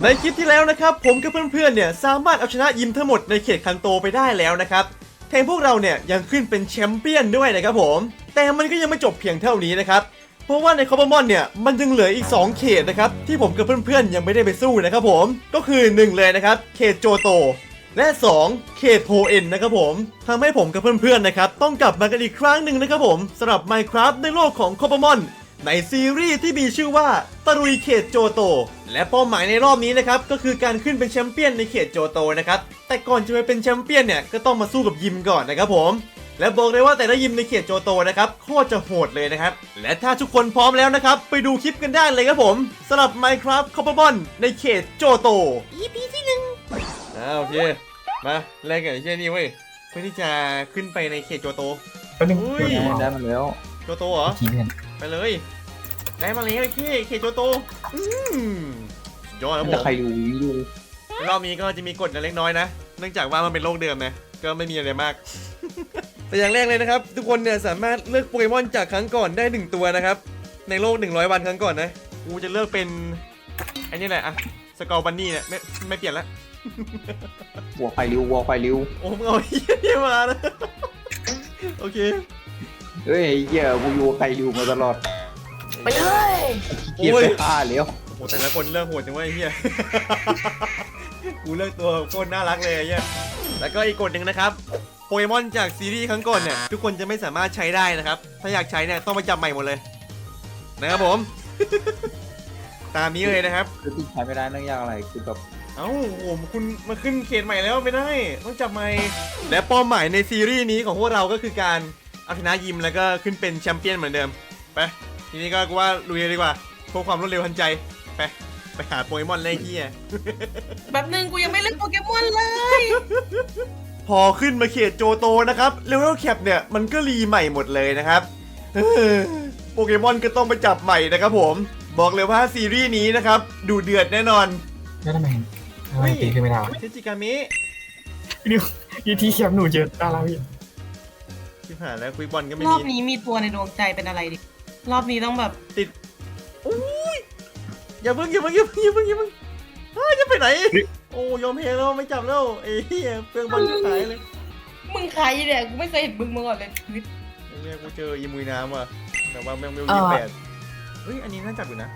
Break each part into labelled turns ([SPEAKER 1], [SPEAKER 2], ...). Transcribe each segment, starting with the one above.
[SPEAKER 1] ในคลิปที่แล้วนะครับผมกับเพื่อนๆเนี่ยสามารถเอาชนะยิมทั้งหมดในเขตคันโตไปได้แล้วนะครับแถมพวกเราเนี่ยยังขึ้นเป็นแชมเปี้ยนด้วยนะครับผมแต่มันก็ยังไม่จบเพียงเท่านี้นะครับเพราะว่าในคอปเปอร์มอนเนี่ยมันยังเหลืออีก2เขตนะครับที่ผมกับเพื่อนๆยังไม่ได้ไปสู้นะครับผมก็คือ1เลยนะครับเขตโจโตและ2เขตโพเอ็นนะครับผมทำให้ผมกับเพื่อนๆนะครับต้องกลับมากันอีกครั้งหนึ่งนะครับผมสำหรับ Minecraft ในโลกของคอปเปอร์มอนในซีรีส์ที่มีชื่อว่าตะลุยเขตโจโตและเป้าหมายในรอบนี้นะครับก็คือการขึ้นเป็นแชมเปี้ยนในเขตโจโตนะครับแต่ก่อนจะไปเป็นแชมเปี้ยนเนี่ยก็ต้องมาสู้กับยิมก่อนนะครับผมและบอกเลยว่าแต่ละยิมในเขตโจโตนะครับโคตรจะโหดเลยนะครับและถ้าทุกคนพร้อมแล้วนะครับไปดูคลิปกันได้เลยครับผมสำหรับ Minecraft c o p p e r m o n ในเขตโจโต EP ที่1โอเคมาแรกกันไอ้เช่นนี้เว้ยเพื่อที่จะขึ้นไปในเขตโจโต
[SPEAKER 2] แป๊บนึง
[SPEAKER 1] อุ้ย
[SPEAKER 3] ได้มาแล้ว
[SPEAKER 1] โจโตเหรอ
[SPEAKER 2] ทีเพื่อน
[SPEAKER 1] ไปเลยได้มาแล้วเขตโจโตสุดยอดครับผ
[SPEAKER 3] จะ
[SPEAKER 1] ม
[SPEAKER 3] ใครดูดู
[SPEAKER 1] รอบนี้ก็จะมีกฎเล็กน้อยนะเนื่องจากว่ามันเป็นโลกเดิมนะก็ไม่มีอะไรมาก แต่อย่างแรกเลยนะครับทุกคนเนี่ยสามารถเลือกโปเกมอนจากครั้งก่อนได้1ตัวนะครับในโลก100วันครั้งก่อนนะกูจะเลือกเป็นไอ้นี่แหละอะสกอร์บันนี่เนี่ยไม่เปลี่ยนละ
[SPEAKER 3] วัวไฟริววัวไฟริว
[SPEAKER 1] โอ้มึงเอาไอ้เหี้ยมานะโอเค
[SPEAKER 3] เฮ้ยเหี้ยกูอยู่ไฟริวมาตลอด
[SPEAKER 2] ไปเลย
[SPEAKER 3] เกียร์ไปฆ่าแล้ว
[SPEAKER 1] โอ้แต่ละคนเลือกโหดจังวะไอ้เหี้ย กูเลือกตัวโคตรน่ารักเลยไอ้เหี้ยแล้วก็อีกกฎหนึ่งนะครับโปเกมอนจากซีรีส์ครั้งก่อนเนี่ยทุกคนจะไม่สามารถใช้ได้นะครับถ้าอยากใช้เนี่ยต้องไปจับใหม่หมดเลยนะครับผม ตามนี้เลยนะครับ
[SPEAKER 3] คือที่ใช้ไม่ได้เนื่องจากอะไรคือแบบ
[SPEAKER 1] เอ้าโอ้โหคุณมาขึ้นเขตใหม่แล้วไม่ได้ต้องจับใหม่และเป้าหมายในซีรีส์นี้ของพวกเราก็คือการเอาชนะยิมแล้วก็ขึ้นเป็นแชมเปี้ยนเหมือนเดิมไปทีนี้ก็กูว่าลุยเลยดีกว่าเพื่อความรวดเร็วทันใจไปหาโปเกมอนเลยที่
[SPEAKER 4] แบบนึงกูยังไม่เล่นโปเกมอนเลย
[SPEAKER 1] พอขึ้นมาเขตโจโตนะครับเลเวลแคปเนี่ยมันก็รีใหม่หมดเลยนะครับ โปเกมอนก็ต้องไปจับใหม่นะครับผมบอกเลยว่าซีรีส์นี้นะครับดูเดือดแน่นอน
[SPEAKER 2] แล้วทำไมตีขึ้นไม่ได้วะ
[SPEAKER 1] เทจิกามิ
[SPEAKER 2] นี่ยีทีเขียบหนูเจอตาลาพี่
[SPEAKER 1] ที่ผ่านแล้วคุยบอลก็ไม่
[SPEAKER 4] รอบ
[SPEAKER 1] มี
[SPEAKER 4] นี้มีตัวในดวงใจเป็นอะไรดิ รอบนี้ต้องแบบ
[SPEAKER 1] ติดอุ้ยอย่าเพิ่งเฮ้ยจะไปไหนโอ้ยอมแพ้แล้วไม่จับแล้วไอ้เหี้ยเปลืองบอลขายเลย
[SPEAKER 4] มึงใครเนี่ยกูไม่เคยเห็นมึงมาก่อนเลยชีวิต
[SPEAKER 1] ไอ้เหี้ยกูเจออีมุยน้ำว่ะแต่ว่าแม่งไม่รู้28เฮ้ยอันนี้น่าจับอยู่นะ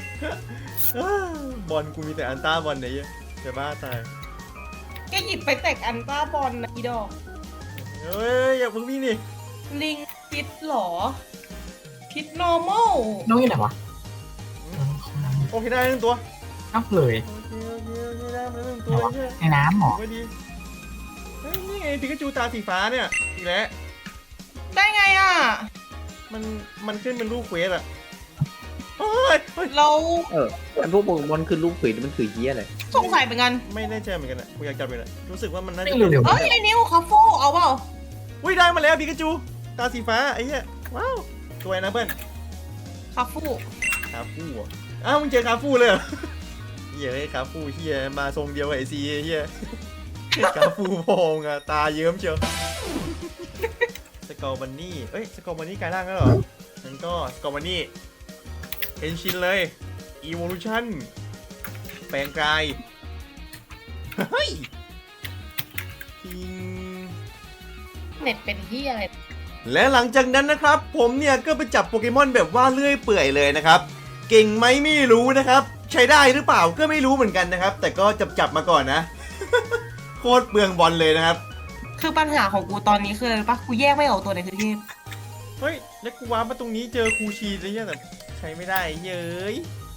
[SPEAKER 1] บอลกูมีแต่อันต้าบอลไหนจะบ้าตาย
[SPEAKER 4] แกหยิบไปแตกอันต้าบอลนะอีดอก
[SPEAKER 1] เฮ้ยอย่าเพิ่งวิ่งนี่
[SPEAKER 4] ลิงพิษหรอ พิษ normal
[SPEAKER 2] น้องอยู่ไหนวะ
[SPEAKER 1] โอเคได้หนึ่งตัว
[SPEAKER 2] นับเลย
[SPEAKER 1] โอเคได้มาหนึ่งตัวเฮ้ย
[SPEAKER 2] ในน้ำหรอ
[SPEAKER 1] ไม่ดีเฮ้ยนี่ไงปิกาจูตาสีฟ้าเนี่ยอีกแล้ว
[SPEAKER 4] ได้ไงอ่ะ
[SPEAKER 1] มันขึ้นเป็นรูปเควสอะเฮ้ย
[SPEAKER 4] เรา
[SPEAKER 3] ไอ้พวกโปเกมอนคือลูกผีมันคือเหี้ยอะไร
[SPEAKER 4] สงสัยเหมือนกัน
[SPEAKER 1] ไม่แน่ใจเหมือนกันอะกูอยากจับเลยนะรู้สึกว่ามันน่าจะ
[SPEAKER 2] ไม่เร็ว
[SPEAKER 4] เอ้ยไอ้นิ้วคาโฟเอาเปล่า
[SPEAKER 1] อุ้ยได้มาแล้วปิกาจูตาสีฟ้าไอ้เหี้ยว้าวสวยนะเพื่อน
[SPEAKER 4] คาฟู
[SPEAKER 1] คาฟูอ่ะอ้าวมึงเจอคาฟูเลยเหรอเหี้ยคาฟูเหี้ยมาทรงเดียวกับไอซีเหี้ยคาฟูพองอะตาเยิ้มเชียวสกอร์บันนี่เอ้ยสกอร์บันนี่กลายร่างแล้วเหรองั้นก็สกอร์บันนี่เอนชินเลย Evolution แปลงกายเฮ้ยทิง
[SPEAKER 4] เน็ตเป็นที่อะไร
[SPEAKER 1] และหลังจากนั้นนะครับผมเนี่ยก็ไปจับโปเกมอนแบบว่าเลื่อยเปื่อยเลยนะครับเก่งไหมไม่รู้นะครับใช้ได้หรือเปล่าก็ไม่รู้เหมือนกันนะครับแต่ก็จับมาก่อนนะ โคตรเปลืองบอลเลยนะครับ
[SPEAKER 4] คือปัญหาของกูตอนนี้คืออะไรปะกูแยกไม่ออกตัวไหนคือเทพ
[SPEAKER 1] เฮ้ยแล้วกูว้ามาตรงนี้เจอคูชีเลยเนี่ยแต่ใช้ไม่ได้เย้ย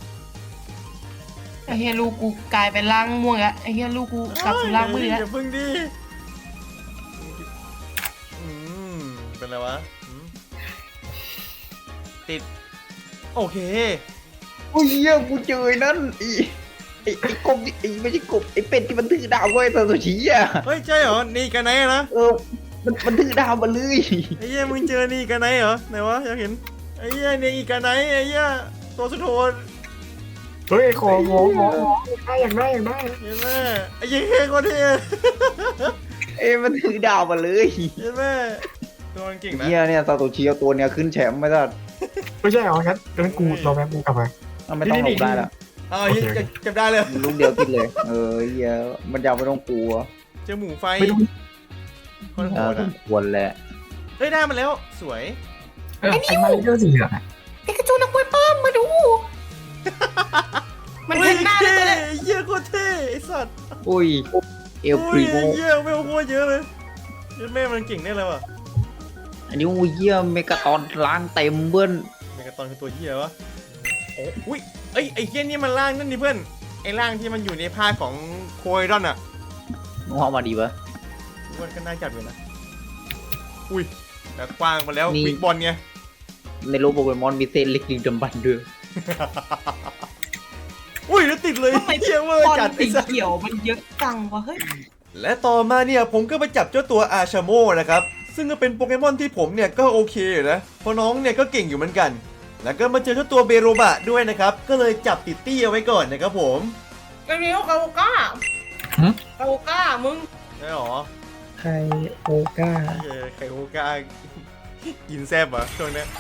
[SPEAKER 4] ไอ้เฮียลูกกูกลายเป็นร่างม่วงแล้วไอ้เฮียลูกกูกลับสู่ร่างมืดแล้ว
[SPEAKER 1] อย่าพึ่งดิเป็นไรวะติดโอเค
[SPEAKER 3] โอ้ยเหี้ยกูเจอนั่นไอ้กบไอ้ไม่ใช่กบไอ้เป็ดที่มันถือดาวไว้ตอนสุชีอ่ะ
[SPEAKER 1] เฮ้ยใช่เหรอนี่กันไหนนะ
[SPEAKER 3] มันถือดาวมาเลย
[SPEAKER 1] ไอ้เหี้ยมึงเจอนี่กันไหนเหรอไหนวะอยากเห็นไอ้เหี้ยเนี่ยอีกันไหนไอ้เหี้ยตัวสุดโหด
[SPEAKER 2] เฮ้ยขอได้อยากได้
[SPEAKER 1] เห็นไหมไอ้เหี้ยโคตรเท่
[SPEAKER 3] มันถือดาวมาเลย
[SPEAKER 1] เห็นไหมตัวมันเก่งนะ
[SPEAKER 3] เหี้ยเนี่ยซาโตชิเอาตัวเนี้ยขึ้นแชมป์ไม่ได้
[SPEAKER 2] ไม่ใช่หรอครับงั้นกูรอแป๊บกูกลับไป
[SPEAKER 3] ไม่ต้องหลบได้แล้ว
[SPEAKER 1] อ้าวเหี้ยจำได้เลย
[SPEAKER 3] ลูกเดียวกินเลยเฮียมันยาวไม่ต้องกลัว
[SPEAKER 1] เจอหมูไฟ
[SPEAKER 2] ไม่ต้อง
[SPEAKER 1] คนโหด
[SPEAKER 3] ส
[SPEAKER 1] อ่ะ
[SPEAKER 3] มควรแหละ
[SPEAKER 1] เฮ้ยได้มาแล้วสวย
[SPEAKER 2] ไอ้มาเรื่องสีเหลืองอะ
[SPEAKER 4] ปิกาจูนักมวยปล้ำมาดู มันเห็นหน้าเลยตัวเนี่ย
[SPEAKER 1] เหี้ยโคตรเท่ไอ้สัตว์
[SPEAKER 3] อุ้ยเอล
[SPEAKER 1] อุ้
[SPEAKER 3] พรี
[SPEAKER 1] ย
[SPEAKER 3] โม
[SPEAKER 1] เหี้ยไม่เอาโคตรเยอะเลยเหี้ยแม่มันเก่งได้เลยว่ะ
[SPEAKER 3] อันนี้อุ้ยเยี่ยมเมกาตอนล้างเต็มเบิ้ล
[SPEAKER 1] เมกาตอนคือตัวเหี้ยวะโอ้อุ้ยไอ้เหี้ยนี่มันร่างนั่นดิเพื่อนไอ้ร่างที่มันอยู่ในภาคของโคไอรอนอ่ะ
[SPEAKER 3] มึงเอามาดีปะ
[SPEAKER 1] มันก็น่าจัดเลยนะอุ้ยแต่กว้างไปแล้ว
[SPEAKER 3] นี่
[SPEAKER 1] บิ๊กบอลไง
[SPEAKER 3] ในโลกโปเกมอนมีเส้นเล็กดึงดำบันด้วย
[SPEAKER 1] อุ้ยแล้วติดเลย
[SPEAKER 4] ทำไม
[SPEAKER 1] เหี้ยเวอร์
[SPEAKER 4] บอล
[SPEAKER 1] จัด
[SPEAKER 4] สี
[SPEAKER 1] ไอ้สัตว์
[SPEAKER 4] เขียวมันเยอะจังวะเฮ้ย
[SPEAKER 1] และต่อมาเนี่ยผมก็ไปจับเจ้าตัวอาชาโมนะครับซึ่งก็เป็นโปเกมอนที่ผมเนี่ยก็โอเคอยู่นะเพราะน้องเนี่ยก็เก่งอยู่เหมือนกัน แล้วก็มาเจอเจ้าตัวเบโรบะด้วยนะครับก็เลยจับติดตี้เอาไว้ก่อนนะครับผม
[SPEAKER 4] ไอ้เนี้ยกาโอก้าคาโอก้ามึง
[SPEAKER 1] ได้หรอ
[SPEAKER 2] ไคโอก้า
[SPEAKER 1] ไข่โอกากินแซบเหรอช่วงเนี้ย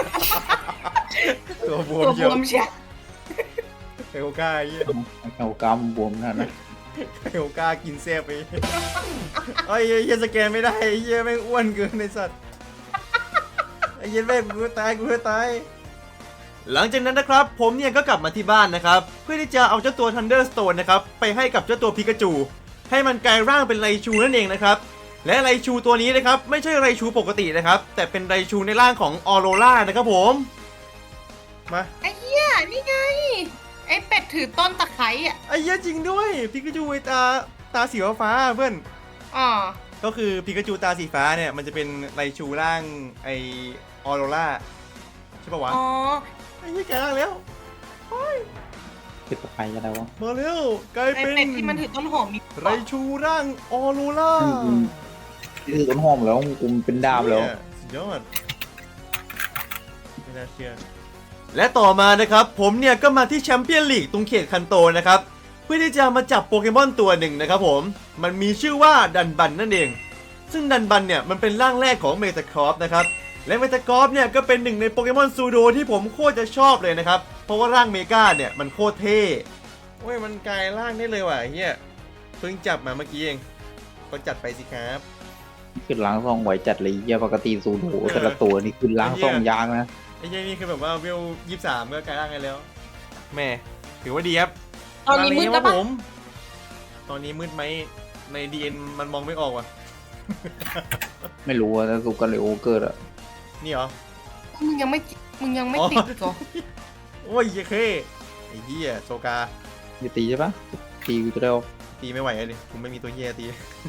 [SPEAKER 1] ตัวบวม
[SPEAKER 4] ตัว
[SPEAKER 1] เย
[SPEAKER 4] บ
[SPEAKER 1] อะ
[SPEAKER 4] วมเชีย
[SPEAKER 1] ไข่โอกาเยี่ย
[SPEAKER 3] เอากำบวมนั่นนะ
[SPEAKER 1] ไข่โอกากินแซบไปไอ้เหี้ยสแกนไม่ได้ไอ้เหี้ยแม่งอ้วนเกินในสัตว์ไอ้เหี้ยแม่งกูตายหลังจากนั้นนะครับผมเนี่ยก็กลับมาที่บ้านนะครับเพื่อที่จะเอาเจ้าตัว Thunderstone นะครับไปให้กับเจ้าตัวพิกาจูให้มันกลายร่างเป็นไรชูนั่นเองนะครับและไรชูตัวนี้นะครับไม่ใช่ไรชูปกตินะครับแต่เป็นไรชูในร่างของออโรรานะครับผมมา
[SPEAKER 4] ไอ้เหี้ยนี่ไง ไอ้เป็ดถือต้นตะไคร้อ่ะ
[SPEAKER 1] ไอ้เหี้ยจริงด้วยพิกาจูไอ้ตาสีฟ้าเพื่อน
[SPEAKER 4] อ๋อ
[SPEAKER 1] ก็คือพิกาจูตาสีฟ้าเนี่ยมันจะเป็นไรชูร่างไอออโรราใช่ปะวะ
[SPEAKER 4] อ๋อ
[SPEAKER 1] ไอ้เหี้ยแกร่างแล้ว
[SPEAKER 3] เป็นตะไคร้อะไรวะ
[SPEAKER 1] มาเร็วกลาย
[SPEAKER 4] ไอ้
[SPEAKER 1] เป็น
[SPEAKER 4] เป็ดที่มันถือต้นหอมมี
[SPEAKER 1] ไรชูร่างออโรรา
[SPEAKER 3] นี่คือต้นหอมแล้วกูเป็นดามแล้ว
[SPEAKER 1] สุดยอดไม่น่าเชื่อและต่อมานะครับผมเนี่ยก็มาที่แชมเปี้ยนลีกตรงเขตคันโตนะครับเพื่อที่จะมาจับโปเกมอนตัวหนึ่งนะครับผมมันมีชื่อว่าดันบันนั่นเองซึ่งดันบันเนี่ยมันเป็นร่างแรกของเมตาครอปนะครับและเมตาครอปเนี่ยก็เป็นหนึ่งในโปเกมอนซูโดที่ผมโคตรจะชอบเลยนะครับเพราะว่าร่างเมกาเนี่ยมันโคตรเท่โอ้ยมันกลายร่างได้เลยว่ะเฮียเพิ่งจับมาเมื่อกี้เองก็จัดไปสิครับ
[SPEAKER 3] ขึ้นล้างซองไหวจัดเลยเยี่ยปกติสูดโหแต่ละตัวนี่ขึ้นล้างซองยางนะ
[SPEAKER 1] ไอ้เหี้ยนี่คือแบบว่าเวล23ก็กลายร่างกันแล้วแม่ถือว่าดีครับ
[SPEAKER 4] ตอนนี้มืด
[SPEAKER 1] ค
[SPEAKER 4] แล้
[SPEAKER 1] รั
[SPEAKER 4] ว
[SPEAKER 1] บ
[SPEAKER 4] ปะ
[SPEAKER 1] ผมตอนนี้มืดไหมใน DN มันมองไม่ออกว่ะ
[SPEAKER 3] ไม่รู้ว่าถ้าสุกันเลยโอเกิร์อะ
[SPEAKER 1] นี่เหรอ
[SPEAKER 4] มึงยังไม่ติดอีกเหรอ
[SPEAKER 1] โอ้ยเหี้ยเคไอ้เหี้ยโซกา
[SPEAKER 3] จะตีใช่ปะตีกูจะได้เอา
[SPEAKER 1] ตีไม่ไหวเลยผมไม่มีตัวเหี้ยตี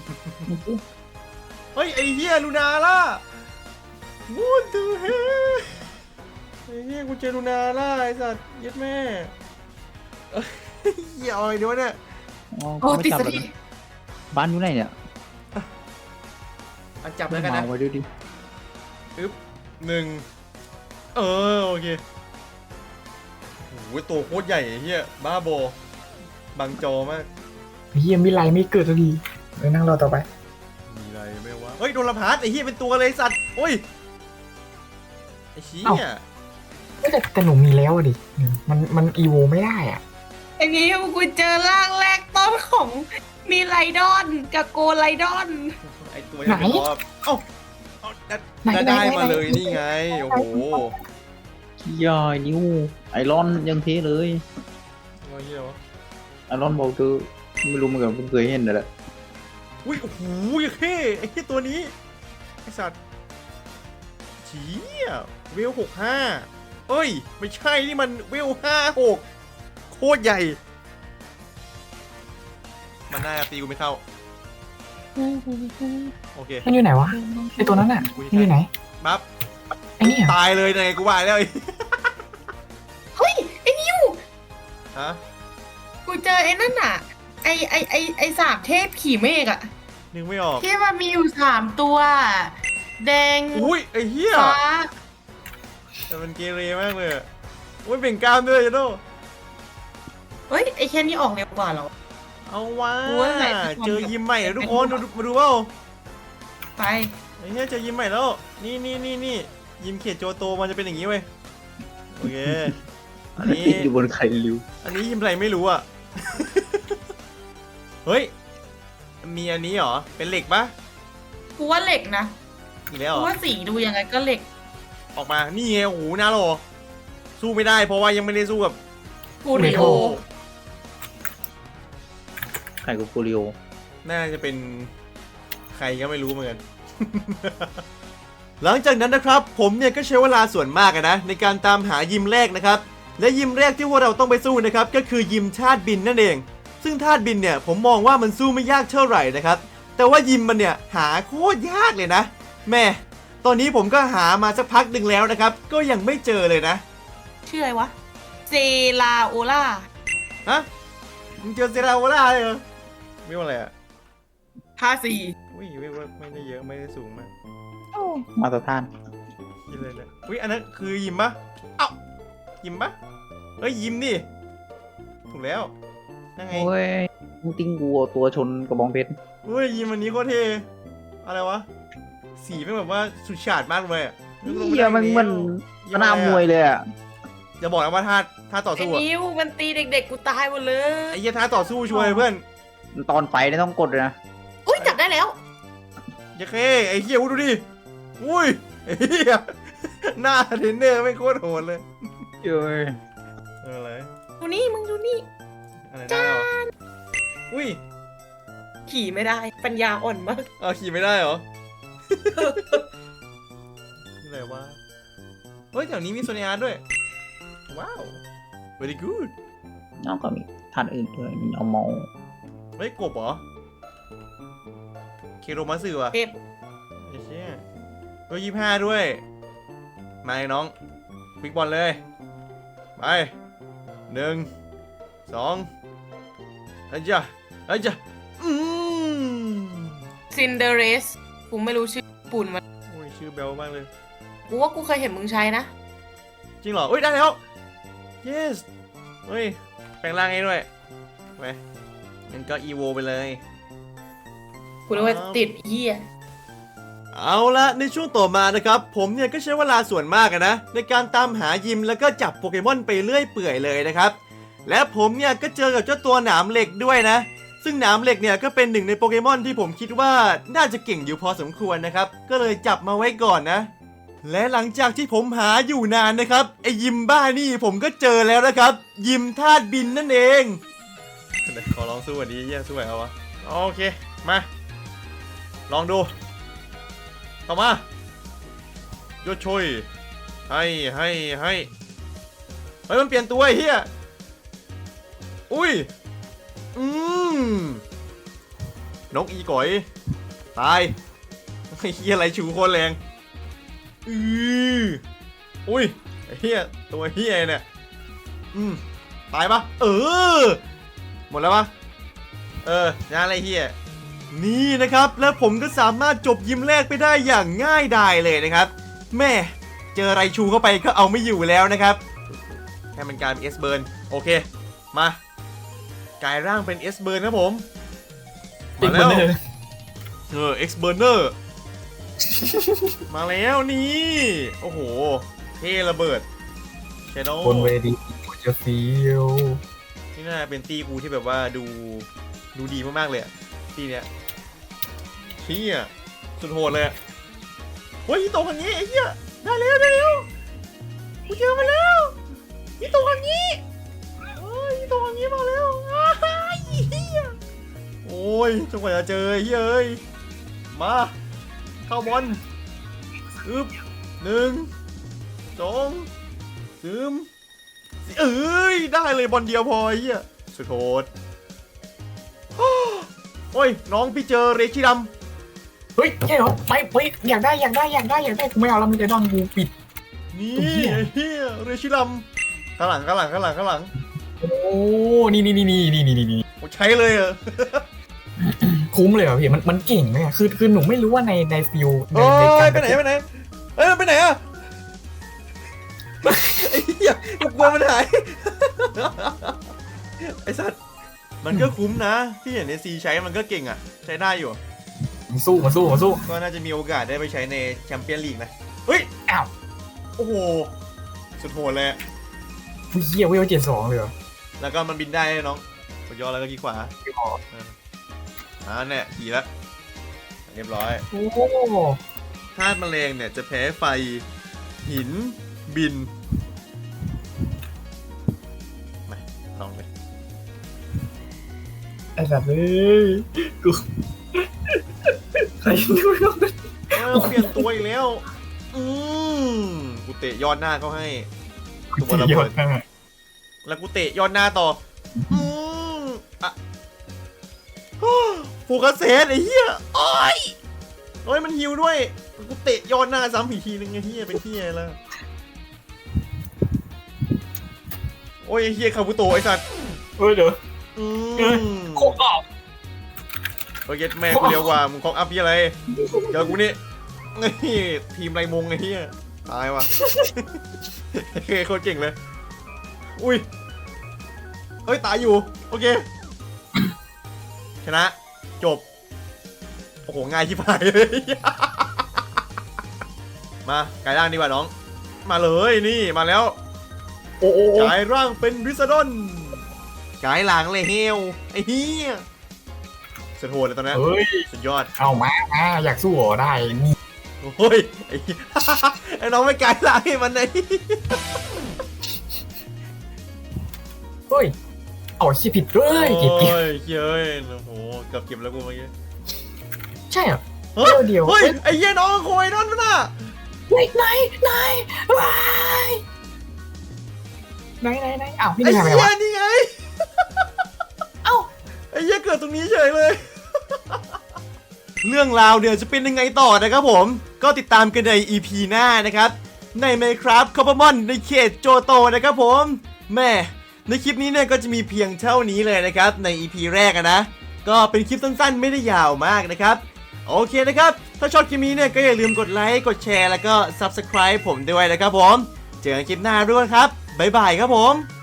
[SPEAKER 1] เฮ้ยไอ้เหี้ยลูนาล่ะ What the hell ไอ้เหี้ยกูเจอลูนาล่ะไอ้สัตว์ยัดแม่เอ้ยเหี้ยเอาไอ้ด้วยเนี่ย
[SPEAKER 3] อ๋อ
[SPEAKER 4] โอ้
[SPEAKER 3] ไม่
[SPEAKER 4] ติด
[SPEAKER 3] จับ
[SPEAKER 4] ส
[SPEAKER 3] แล้ว
[SPEAKER 4] ติ
[SPEAKER 3] นะบ้านอยู่ไหนเนี่ย
[SPEAKER 1] เอาจับแล้วกันนะ
[SPEAKER 3] มาไว้ด้วยดิ
[SPEAKER 1] หนึ่งโอเคโอ้ยตัวโคตรใหญ่ไอ้เหี้ยบ้าบอบังจอมาก
[SPEAKER 2] เฮียมิไลไม่เกิดสักทีไปนั่งรอต่อไป
[SPEAKER 1] มีอะไรไม่วะเฮ้ยโดนละพาร์ตไอ้เหี้ยเป็นตัวเลยสัตว์โอ้ยไอ้เหี้ย
[SPEAKER 2] แต่หนูมีแล้วอะดิมันอีโวไม่ได้อ่ะ
[SPEAKER 4] ไอ้นี้กูเจอร่างแรกต้นของมีไลดอนกับโกไลดอน
[SPEAKER 1] ไอ้ตัวนี้เป็นตัวเอาได้มาเลยนี่ไงโอ้โห
[SPEAKER 3] ขี้ยอยนิ้วไอรอนยังเทเลย
[SPEAKER 1] ว่าเหี้ยวะ
[SPEAKER 3] ไอรอนบอกเธอไม่รู้เหมือนกันเพิ่งเคยเห็นนั่นแหละ
[SPEAKER 1] อุ้ยโอ้โหเฮ้ไอ้เหี้ยตัวนี้ไอ้สัตว์เชี่ยเวล65เอ้ยไม่ใช่นี่มันเวล56โคตรใหญ่ มันน่าจะตีกูไม่เข้า โอเค
[SPEAKER 2] มันอยู่ไหนวะไอตัวนั้นอ่ะมันอยู่ไหน
[SPEAKER 1] บัฟ
[SPEAKER 2] ไอเนี่ย
[SPEAKER 1] ตายเลยไงกูว่าแล้ว
[SPEAKER 4] เฮ้ยไอ้นิว
[SPEAKER 1] ฮะ
[SPEAKER 4] กูเจอไอ้นั่นอ่ะไอ้สามเทพขี่เมฆอ่ะ
[SPEAKER 1] นึกไม่ออก
[SPEAKER 4] ที่มันมีอยู่3ตัว แดง
[SPEAKER 1] อุ้ยไอ้เหี้ย
[SPEAKER 4] ฟ้า
[SPEAKER 1] แต่มันเกเรมากเลยอะอุ้ยเบ่งกล้ามด้วยจ้ะโด
[SPEAKER 4] เฮ้ยไอ้แค่นี้ออกเร็วกว่าเหรอ
[SPEAKER 1] เอาวะ
[SPEAKER 4] โอ้ยไหนจะทำ
[SPEAKER 1] เจอยิมใหม่แล้วทุกคนมาดูเปล่า
[SPEAKER 4] ไป
[SPEAKER 1] ไอ้เหี้ยเจอยิมใหม่แล้ว นี่ยิมเขตโจโตมันจะเป็นอย่างนี้เว้ยโอเคอันนี้
[SPEAKER 3] ติดอยู่บนไข่ริ้ว
[SPEAKER 1] อันนี้ยิมอะไรไม่รู้อ่ะ เฮ้ย มีอันนี้เหรอ เป็นเหล็กปะ
[SPEAKER 4] กูว่าเหล็กนะ
[SPEAKER 1] อีกแล้วเห
[SPEAKER 4] กู
[SPEAKER 1] รอ
[SPEAKER 4] ว่าสีดูยังไงก็เหล็ก
[SPEAKER 1] ออกมา นี่ไง โอ้โหนาโลสู้ไม่ได้เพราะว่ายังไม่ได้สู้กับ
[SPEAKER 4] กูริโอ
[SPEAKER 3] ไข่กับโปลิโอ
[SPEAKER 1] น่าจะเป็นใครก็ไม่รู้เหมือนกัน หลังจากนั้นนะครับ ผมเนี่ยก็ใช้เวลาส่วนมากอะนะในการตามหายิมแรกนะครับ และยิมแรกที่พวกเราต้องไปสู้นะครับก็คือยิมธาตุบินนั่นเอง ซึ่งธาตุบินเนี่ยผมมองว่ามันสู้ไม่ยากเท่าไหร่นะครับ แต่ว่ายิมมันเนี่ยหาโคตรยากเลยนะ แม่ตอนนี้ผมก็หามาสักพักหนึ่งแล้วนะครับ ก็ยังไม่เจอเลยนะ
[SPEAKER 4] ชื่ออะไรวะ เซลาโอล่า
[SPEAKER 1] ฮะมึงเจอเซราโวล่าเลยเหรอไม่ว่าอะไรอ่ะ
[SPEAKER 4] 54
[SPEAKER 1] อุ้ยไม่ได้เยอะไม่ได้สูงมาก
[SPEAKER 3] มาตรฐาน
[SPEAKER 1] ยิมเลยนะอุ้ยอันนั้นคือยิมปะเอ้ายิมปะเฮ้ยยิมนี่ถูกแล้วนั่งไง
[SPEAKER 3] โอ้ยมึงติ้งกูเอาตัวชนกระบองเพชร
[SPEAKER 1] เฮ้ยยิมอันนี้โคตรเท่อะไรวะสีเป็นแบบว่าสุดฉาดมากเลยอะ
[SPEAKER 3] เฮียมันเหมันสนามมวยเลยอ่ะ
[SPEAKER 1] อย่าบอกนะว่าท่าต่อ
[SPEAKER 4] ไอ้
[SPEAKER 1] สู้อะ
[SPEAKER 4] นิวมันตีเด็กๆกูตายหมดเลย
[SPEAKER 1] ไอ้เหี้ยท่าต่อสู้ช่วยเพื่อน
[SPEAKER 3] ตอนไปเนี่ยต้องกดเลยนะ
[SPEAKER 4] อุ้ยจับได้แล้ว
[SPEAKER 1] อย่าเคไอ้เหี้ยดูดิอุ้ยไอ้เหี้ยหน้าเทรนเนอร์ไม่โคตรโหดเลย
[SPEAKER 3] เอ้ย
[SPEAKER 1] อะไร
[SPEAKER 4] ดูนี่มึงดูนี่
[SPEAKER 1] อะไรได้เหรออุ้ย
[SPEAKER 4] ขี่ไม่ได้ ปัญญาอ่อนมาก
[SPEAKER 1] เอาขี่ไม่ได้เหรอ นี่อะไรวะเฮ้ยแถวนี้มีโซนอาร์ตด้วย ว้าว very good
[SPEAKER 3] น้องก็มีท่านอื่นด้วยมีเอาเมา
[SPEAKER 1] เฮ้ยกบเหรอ เคโรมาสึวะ
[SPEAKER 4] เทพ
[SPEAKER 1] ไอ้เชี่ยเบอร์25ด้วย มาเลยน้องบิ๊กบอลเลย ไป1 2อาจ้ะอาจ้ะ
[SPEAKER 4] ซินเดอเรสกูไม่รู้ชื่อญี่ปุ่นมัน
[SPEAKER 1] โอ้ยชื่อเบลมากเลย
[SPEAKER 4] กูว่ากูเคยเห็นมึงใช้นะ
[SPEAKER 1] จริงเหรอเฮ้ย ได้แล้ว yes เฮ้ย แปลงร่างให้ด้วยไปงั้นก็อีโวไปเลย
[SPEAKER 4] กูนึกว่าติดเหี้ย
[SPEAKER 1] เอาละในช่วงต่อมานะครับผมเนี่ยก็ใช้เวลาส่วนมากอะนะในการตามหายิมแล้วก็จับโปเกมอนไปเรื่อยเปื่อยเลยนะครับและผมเนี่ยก็เจอกับเจ้าตัวหนามเหล็กด้วยนะซึ่งหนามเหล็กเนี่ยก็เป็นหนึ่งในโปเกมอนที่ผมคิดว่าน่าจะเก่งอยู่พอสมควรนะครับก็เลยจับมาไว้ก่อนนะและหลังจากที่ผมหาอยู่นานนะครับไอยิมบ้านี่ผมก็เจอแล้วนะครับยิมธาตุบินนั่นเองขอลองสู้อันนี้เยี่ยสู้ไหวเอาวะโอเคมาลองดูเข้ามาโยช่วยให้เฮ้ยมันเปลี่ยนตัวไอ้เฮียอุ้ยนกอีก๋อยตายไอ้เฮียอะไรชูโคตรแรงอุ้ยไอ้เฮียตัวเฮียเนี่ยตายปะหมดแล้วปะงานอะไรเฮียนี่นะครับแล้วผมก็สามารถจบยิมแรกไปได้อย่างง่ายดายเลยนะครับแม่เจอไรชูเข้าไปก็เอาไม่อยู่แล้วนะครับให้มันกลายเป็น S Burn โอเคมากลายร่างเป็น S Burn ครับผมมาแล้วX Burner มาแล้วนี่โอ้โหเท่ระเบิดเชโน่
[SPEAKER 2] บนเวทีกูจะฟีล
[SPEAKER 1] นี่น่าเป็นตีกูที่แบบว่าดูดีมากๆเลยอะตีเนี้ยเฮียสุดโหดเลยอะเฮ้ยตรงอย่างนี้ไอ้เหี้ยได้แล้วกูเจอมาแล้วนี่ตรงอย่างนี้เฮ้ยตรงอย่างนี้มาแล้วเฮียโอ้ยจนกว่าจะเจอไอ้เฮียเอ้ยมาเข้าบอลอึบ1 2ซึมเอ้ยได้เลยบอลเดียวพอไอ้เหี้ยสุดโหดโอ้ยน้องพี่เจอเรชิด
[SPEAKER 2] เฮ้ยใช่เหรอไปอยากได้กูไม่เอาแล้วมึงจะดอนกูปิด
[SPEAKER 1] ำนี่ไอ้เหี้ยเรชิดัมข้างหลัง
[SPEAKER 2] โอ้นี่
[SPEAKER 1] โอ้ใช้เลยเหรอ
[SPEAKER 2] คุ้มเลยเหรอพี่มันเก่งไหมอะคือหนูไม่รู้ว่าในฟิลใน
[SPEAKER 1] โอ้
[SPEAKER 2] กาย ร
[SPEAKER 1] ไปไหนเอ้ยมันไปไหนอะไอ้เหี้ยกูกลัวมันหายไอ้สัตว์มันก็คุ้มนะที่เห็นในซีใช้มันก็เก่งอะใช้ได้อยู่
[SPEAKER 2] มาสู้
[SPEAKER 1] ก็น่าจะมีโอกาสได้ไปใช้ในแชมเปี้ยนลีกนะเฮ้ย
[SPEAKER 2] อ้าว
[SPEAKER 1] โอ้โหสุดโหดเลย
[SPEAKER 2] เฮียเวล72เลยเหรอ
[SPEAKER 1] แล้วก็มันบินได้น้องกดย่อแล้วก็คลิกขวาเนี่ยขี่แล้วเรียบร้อย
[SPEAKER 2] โอ้
[SPEAKER 1] ธาตุแมลงเนี่ยจะแพ้ไฟหินบินมาลองเลย
[SPEAKER 2] ไอ้สัตว์เอ้ยกูใครดูน้อง
[SPEAKER 1] เปลี่ยนตัวอีกแล้วกูเตะยอดหน้าเขาให้ตัวระเบิดแล้วกูเตะยอดหน้าต่ออะโฟกัสเซตไอ้เหี้ยโอ้ยมันฮิวด้วยกูเตะยอดหน้าซ้ำอีกทีนึงไอ้เหี้ยเป็นเหี้ยแล้วโอ้ยไอ้เหี้ยคาบุโตะไอ้สัตว์
[SPEAKER 2] เฮ้ยเดี๋ยวโคกออก
[SPEAKER 1] โอเคแม่กูเร็วกว่ามึงคอกอัพยี่อะไรเจอกูนี่นี่ทีมไรมงไอ้เหี้ยตายว่ะเคโคตรเก่งเลยอุ้ยเฮ้ยตายอยู่โอเคชนะจบโอ้โหง่ายชิบหายเลยมากายร่างดีกว่าน้องมาเลยนี่มาแล้ว
[SPEAKER 2] โอ้
[SPEAKER 1] กายร่างเป็นริซาดอนกายหลังเลยเฮลไอ้เหี้ยสุดโหดเลยตอนนี้
[SPEAKER 2] เฮ้ย
[SPEAKER 1] สุดยอด
[SPEAKER 2] เอามาอยากสู้เหรอได้นี่
[SPEAKER 1] โอ้ยไอ้น้องไม่กายหลังให้มันเลย
[SPEAKER 2] เฮ้ยเอาขี้ผิดเลยเก็บ
[SPEAKER 1] โอ้ยเย้ยโอ้โหเกือบเก็บแล้วกูเมื่อกี้
[SPEAKER 2] ใช่เหรอ
[SPEAKER 1] เฮ้ย
[SPEAKER 2] เดี๋ยว
[SPEAKER 1] เฮ้ยไอ้เหี้ยน้องโคยนอนมันน่ะ
[SPEAKER 2] ไหนว้ายไหนอ้าวนี่
[SPEAKER 1] ไอ้
[SPEAKER 2] ทำไม
[SPEAKER 1] เหี้ยว
[SPEAKER 2] ะ
[SPEAKER 1] นี่ไง
[SPEAKER 2] เอ้า
[SPEAKER 1] ไอ้เหี้ยเกิดตรงนี้เฉยเลย เรื่องราวเดี๋ยวจะเป็นยังไงต่อนะครับผมก็ติดตามกันใน EP หน้านะครับใน Minecraft Coppermon ในเขตโจโตนะครับผมแม่ในคลิปนี้เนี่ยก็จะมีเพียงเท่านี้เลยนะครับใน EP แรกนะก็เป็นคลิปสั้นๆไม่ได้ยาวมากนะครับโอเคนะครับถ้าชอบคลิปนี้เนี่ยก็อย่าลืมกดไลค์กดแชร์แล้วก็ Subscribe ผมด้วยนะครับผมเจอกันคลิปหน้าด้วยครับบ๊ายบายครับผม